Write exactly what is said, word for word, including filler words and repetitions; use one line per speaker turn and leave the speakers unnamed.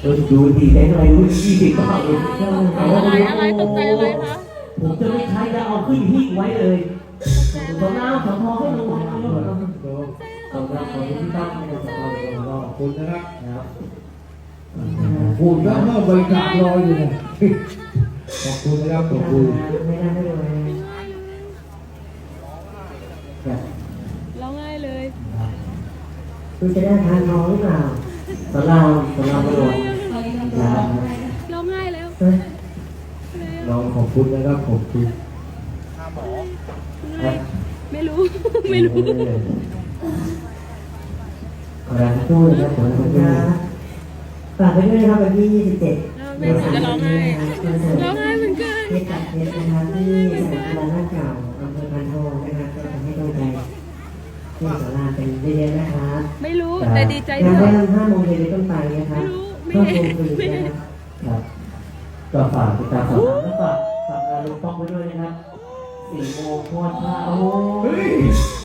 ดูดีแบงค์อะไรรู้ยี่สิบบาทเลย
อะไรอะไรตกใจอะไรคะ
ผมจะไม่ใช้แล้วเอาขึ้นหิ้งไว้เลยสองน้ำสองทองให้ลงมาแล้วสองน้ำของที่ตั้งให้กับเราขอบคุณนะครับนะครับพูดแล้วเมื่อใบกาลอยอยู่เนี่ยขอบคุณนะครับขอบคุณไม่ได้ไม่ได้
ร้องไห้เลย
คุณจะได้ทานน้องหรือเปล่าสลามสลามบรม
ร้องไห้แล้ว
น้องขอบคุณนะครับขอบคุณ
ไม่รู้ไม่รู้
ขอรับตู้เลยครับขอรับตู้ฝากไปด้วยนะครับวันที่ยี่สิบเจ็ด
แม่จะร้องไห้ร้องไห้เหมือนกัน
เทศกาลเทศนะครับที่สนามกีฬาหน้าเก่าอำเภอพานทองนะครับก็ทำให้กำลังใจที่สาราเป็นเยอะๆนะครับ
ไม่รู้แต่ดีใจด้
ว
ย
งานห้าโมงเย็นเป็นต้นไปนะครับก็คงคือนะครับก็ฝากติดตามข่าวสารและฝากฝากงานลุงป้องไว้ด้วยนะครับสี่โมงโคตรท่าโอ้ย